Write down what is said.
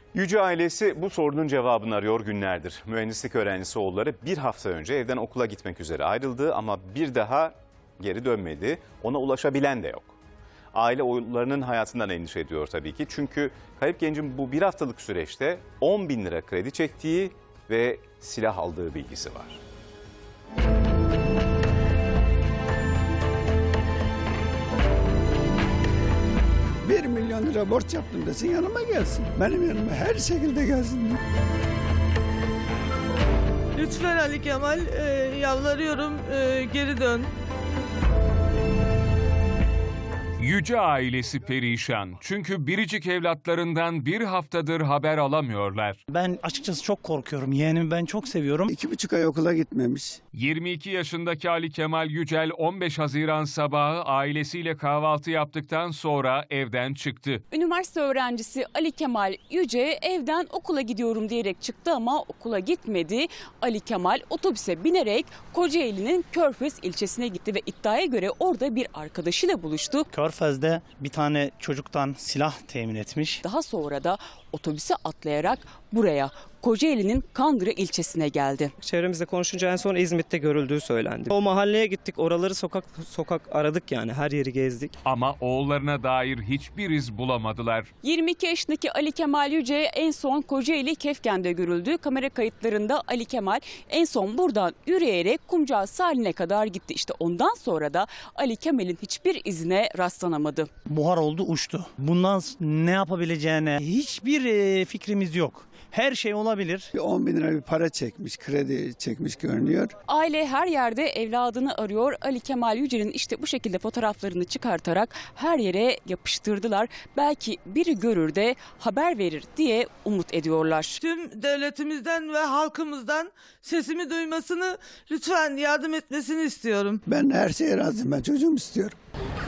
Yüce ailesi bu sorunun cevabını arıyor günlerdir. Mühendislik öğrencisi oğulları bir hafta önce evden okula gitmek üzere ayrıldı ama bir daha geri dönmedi. Ona ulaşabilen de yok. Aile oğullarının hayatından endişe ediyor tabii ki. Çünkü kayıp gencin bu bir haftalık süreçte 10 bin lira kredi çektiği ve silah aldığı bilgisi var. 1 milyon lira borç yaptım desin, yanıma gelsin. Benim yanıma her şekilde gelsin. Lütfen Ali Kemal, yalvarıyorum, geri dön. Yüce ailesi perişan. Çünkü biricik evlatlarından bir haftadır haber alamıyorlar. Ben açıkçası çok korkuyorum. Yeğenimi ben çok seviyorum. 2,5 ay okula gitmemiş. 22 yaşındaki Ali Kemal Yücel 15 Haziran sabahı ailesiyle kahvaltı yaptıktan sonra evden çıktı. Üniversite öğrencisi Ali Kemal Yüce evden okula gidiyorum diyerek çıktı ama okula gitmedi. Ali Kemal otobüse binerek Kocaeli'nin Körfez ilçesine gitti ve iddiaya göre orada bir arkadaşıyla buluştu. Körfez'de bir tane çocuktan silah temin etmiş. Daha sonra da otobüse atlayarak buraya Kocaeli'nin Kandıra ilçesine geldi. Çevremizde konuşunca en son İzmit'te görüldüğü söylendi. O mahalleye gittik, oraları sokak sokak aradık, yani her yeri gezdik. Ama oğullarına dair hiçbir iz bulamadılar. 22 yaşındaki Ali Kemal Yüce en son Kocaeli Kefken'de görüldü. Kamera kayıtlarında Ali Kemal en son buradan yürüyerek Kumcağı sahiline kadar gitti. İşte ondan sonra da Ali Kemal'in hiçbir izine rastlanamadı. Buhar oldu, uçtu. Bundan ne yapabileceğine hiçbir fikrimiz yok. Her şey olabilir. 10 bin lira bir para çekmiş, kredi çekmiş görünüyor. Aile her yerde evladını arıyor. Ali Kemal Yücel'in işte bu şekilde fotoğraflarını çıkartarak her yere yapıştırdılar. Belki biri görür de haber verir diye umut ediyorlar. Tüm devletimizden ve halkımızdan sesimi duymasını, lütfen yardım etmesini istiyorum. Ben her şeye razıyım, ben çocuğumu istiyorum.